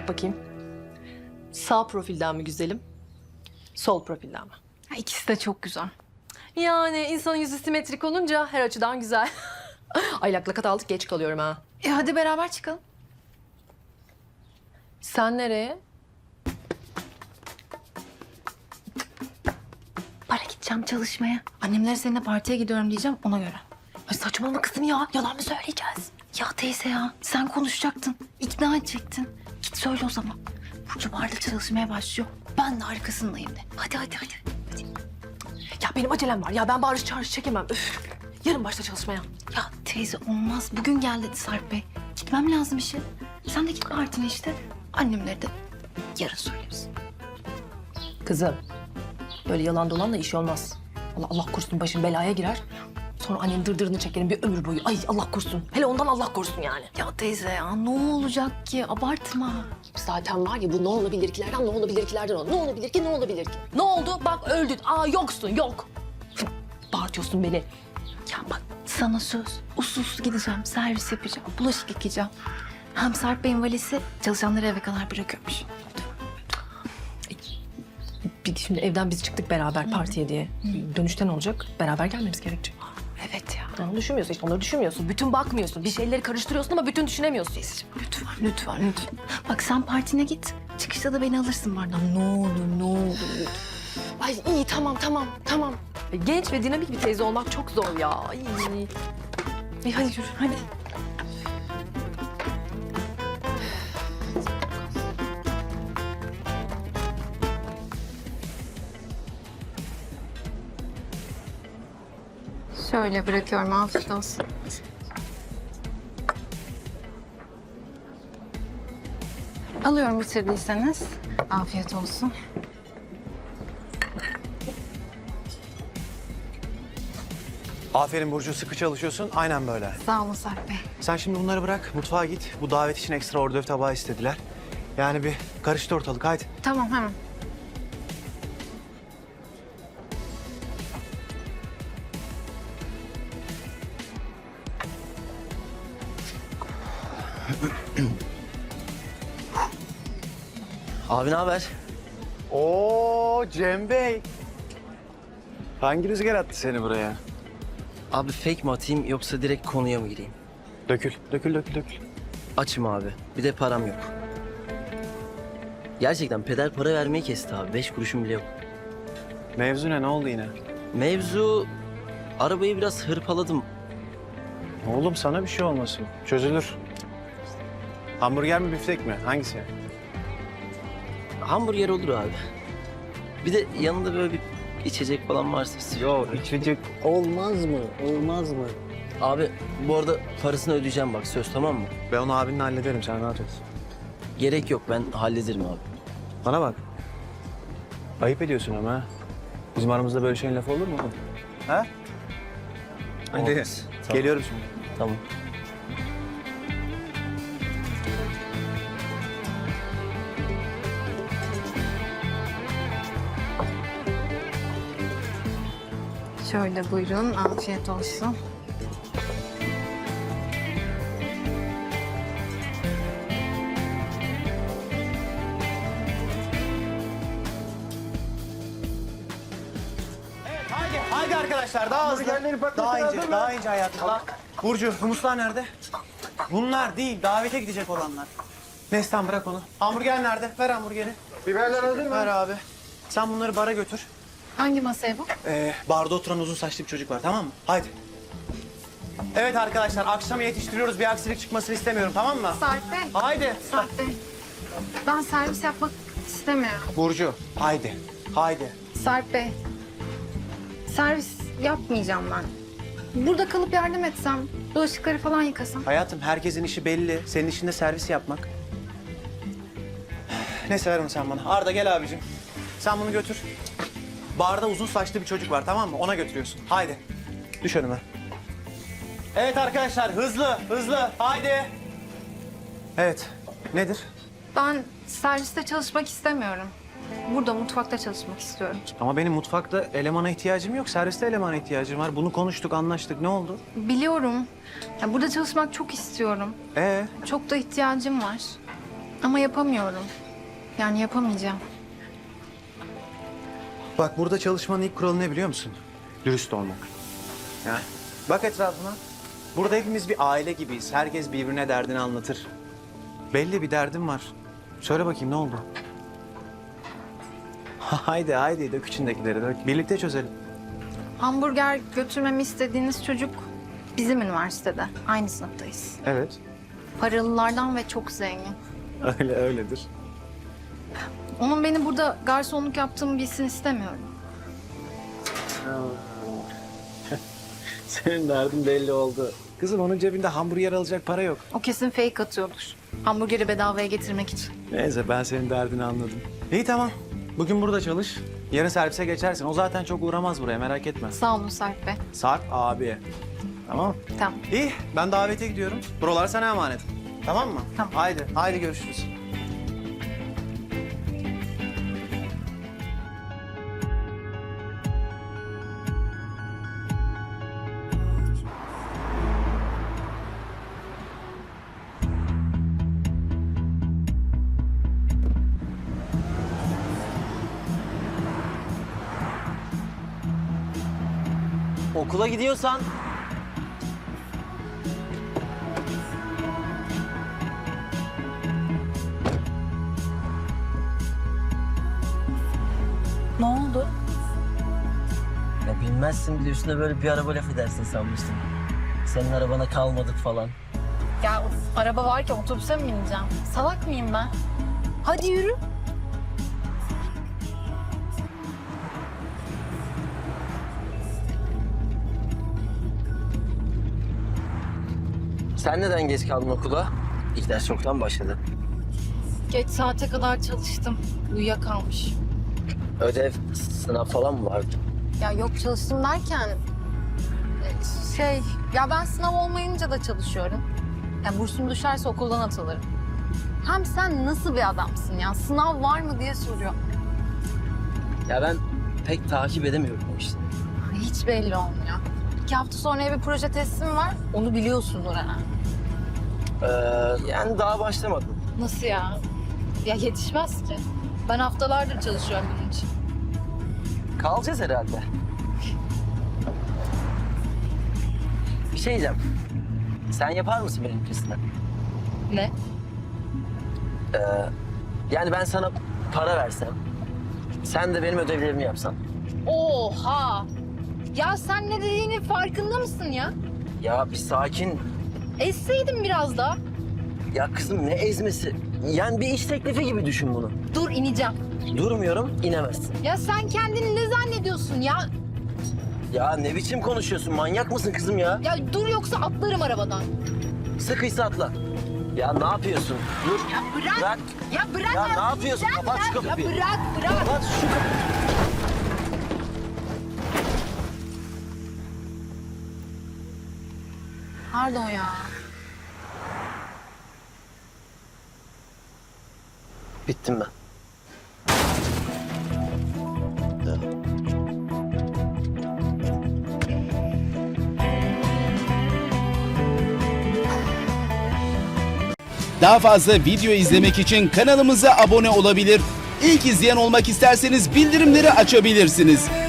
bakayım. Sağ profilden mi güzelim? Sol profilden mi? Ya İkisi de çok güzel. Yani insanın yüzü simetrik olunca her açıdan güzel. Ay lakat aldık, geç kalıyorum ha. Hadi beraber çıkalım. Sen nereye? Para gideceğim çalışmaya. Annemlere seninle partiye gidiyorum diyeceğim ona göre. Ay saçmalama kızım ya. Yalan mı söyleyeceğiz? Ya teyze ya sen konuşacaktın. İkna edecektin. Git söyle o zaman. Burcu barda çalışmaya başlıyor. Ben de arkasındayım de. Hadi. Ya benim acelem var. Ya ben bağırış çağırış çekemem. Üf. Yarın başla çalışmaya. Ya teyze olmaz. Bugün gel dedi Sarp Bey. Gitmem lazım işe. Sen de git partine işte. Annemlere de yarın söyleriz. Kızım, böyle yalan dolanla iş olmaz. Allah korusun başın belaya girer. Sonra annenin dırdırını çekerim bir ömür boyu. Ay Allah korusun. Hele ondan Allah korusun yani. Ya teyze ya ne olacak ki? Abartma. Zaten var ya bu ne olabilirkilerden ne olabilirkilerden o. Ne olabilir ki ne olabilir ki? Ne oldu? Bak öldün. Aa yoksun yok. Bağırtıyorsun beni. Ya bak sana söz. Usul gideceğim. Servis yapacağım. Bulaşık yıkayacağım. Hem Sarp Bey'in valisi çalışanları eve kadar bırakıyormuş. Şimdi evden biz çıktık beraber partiye diye. Dönüşte ne olacak? Beraber gelmemiz gerekecek. Evet ya. Onu düşünmüyorsun işte, onları düşünmüyorsun. Bütün bakmıyorsun. Bir şeyleri karıştırıyorsun ama bütün düşünemiyorsun. Lütfen. Bak sen partine git. Çıkışta da beni alırsın bardan. Ne olur. Ay iyi tamam. Genç ve dinamik bir teyze olmak çok zor ya. Ay. İyi hadi yürü hadi. Şöyle bırakıyorum. Afiyet olsun. Alıyorum bitirdiyseniz. Afiyet olsun. Aferin Burcu, sıkı çalışıyorsun. Aynen böyle. Sağ olun Sarp Bey. Sen şimdi bunları bırak, mutfağa git. Bu davet için ekstra ordöv tabağı istediler. Yani bir karıştı ortalık, haydi. Tamam hemen. Abi ne haber? Oo Cem Bey. Hangi rüzgar attı seni buraya? Abi fake mi atayım yoksa direkt konuya mı gireyim? Dökül. Açım abi. Bir de param yok. Gerçekten peder para vermeyi kesti abi. 5 kuruşum bile yok. Mevzu ne oldu yine? Mevzu... Arabayı biraz hırpaladım. Oğlum sana bir şey olmasın. Çözülür. Hamburger mi biftek mi? Hangisi? Hamburger olur abi. Bir de yanında böyle bir içecek falan varsa... Yok içecek olmaz mı? Olmaz mı? Abi bu arada parasını ödeyeceğim bak söz tamam mı? Ben onu abinle hallederim, sen rahat ol. Gerek yok ben hallederim abi. Bana bak. Ayıp ediyorsun ama ha. Bizim aramızda böyle şeyin lafı olur mu oğlum? Ha? Hadi. Olmaz. Tamam. Geliyorum şimdi. Tamam. Şöyle buyurun. Afiyet olsun. Haydi arkadaşlar daha hızlı. Daha ince hayatım. Burcu, humuslar nerede? Bunlar değil, davete gidecek olanlar. Neslihan bırak onu. Hamburger nerede? Ver hamburgeri. Biberler hazır mı? Ver abi. Sen bunları bara götür. Hangi masaya bu? Barda oturan uzun saçlı bir çocuk var, tamam mı? Haydi. Evet arkadaşlar, akşama yetiştiriyoruz. Bir aksilik çıkmasını istemiyorum, tamam mı? Sarp Bey. Haydi. Sarp Bey. Ben servis yapmak istemiyorum. Burcu, haydi. Haydi. Sarp Bey. Servis yapmayacağım ben. Burada kalıp yardım etsem, bulaşıkları falan yıkasam. Hayatım, herkesin işi belli. Senin işin de servis yapmak. Neyse ver onu sen bana. Arda gel abicim. Sen bunu götür. Barda uzun saçlı bir çocuk var, tamam mı? Ona götürüyorsun. Haydi. Düş önüme. Evet arkadaşlar, hızlı. Haydi. Evet. Nedir? Ben serviste çalışmak istemiyorum. Burada mutfakta çalışmak istiyorum. Ama benim mutfakta elemana ihtiyacım yok. Serviste elemana ihtiyacım var. Bunu konuştuk, anlaştık. Ne oldu? Biliyorum. Ya burada çalışmak çok istiyorum. Ee, Çok da ihtiyacım var. Ama yapamıyorum. Yani yapamayacağım. Bak burada çalışmanın ilk kuralı ne biliyor musun? Dürüst olmak. Ya. Bak etrafına. Burada hepimiz bir aile gibiyiz. Herkes birbirine derdini anlatır. Belli bir derdim var. Söyle bakayım ne oldu? Haydi haydi dök içindekileri dök. Birlikte çözelim. Hamburger götürmemi istediğiniz çocuk bizim üniversitede. Aynı sınıftayız. Evet. Paralılardan ve çok zengin. Öyledir. Onun beni burada garsonluk yaptığımı bilsin istemiyorum. Senin derdin belli oldu. Kızım onun cebinde hamburger alacak para yok. O kesin fake atıyordur. Hamburgeri bedavaya getirmek için. Neyse ben senin derdini anladım. İyi tamam. Bugün burada çalış. Yarın servise geçersin. O zaten çok uğramaz buraya merak etme. Sağ olun Sarp Bey. Sarp abi. Tamam. Tamam. İyi ben davete gidiyorum. Buralar sana emanet. Tamam mı? Tamam. Haydi görüşürüz. Okula gidiyorsan Ne oldu? ya bilmezsin bir de üstüne böyle bir araba laf edersin sanmıştım. Senin arabana kalmadık falan. Ya araba varken otobüse mi bineceğim? Salak mıyım ben? Hadi yürü. Sen neden geç kaldın okula? İlk ders çoktan başladı. Geç saate kadar çalıştım. Uyuyakalmış. Ödev, sınav falan mı vardı? Ya yok çalıştım derken... Ya ben sınav olmayınca da çalışıyorum. Ya bursum düşerse okuldan atılırım. Hem sen nasıl bir adamsın ya? Sınav var mı diye soruyor. Ya ben pek takip edemiyorum o işleri. Hiç belli olmuyor. 2 hafta sonra bir proje teslim var. Onu biliyorsundur ha. Yani daha başlamadım. Nasıl ya? Ya yetişmez ki. Ben haftalardır çalışıyorum bunun için. Kalacağız herhalde. Bir şey diyeceğim. Sen yapar mısın benimkisini? Ne? Yani ben sana para versem, sen de benim ödevlerimi yapsan. Oha! Ya sen ne dediğinin farkında mısın ya? Ya bir sakin. Ezseydin biraz daha. Ya kızım ne ezmesi? Yani bir iş teklifi gibi düşün bunu. Dur ineceğim. Durmuyorum, inemezsin. Ya sen kendini ne zannediyorsun ya? Ya ne biçim konuşuyorsun? Manyak mısın kızım ya? Ya dur yoksa atlarım arabadan. Sıkıysa atla. Ya ne yapıyorsun? Dur. Ya bırak. Bırak. Ya bırak. Ya ne artık, yapıyorsun? gideceğim Kapat şu ben. kapıyı. Ya bırak. Kapat şu kapıyı. Pardon ya. Bittim ben. Daha fazla video izlemek için kanalımıza abone olabilir. İlk izleyen olmak isterseniz bildirimleri açabilirsiniz.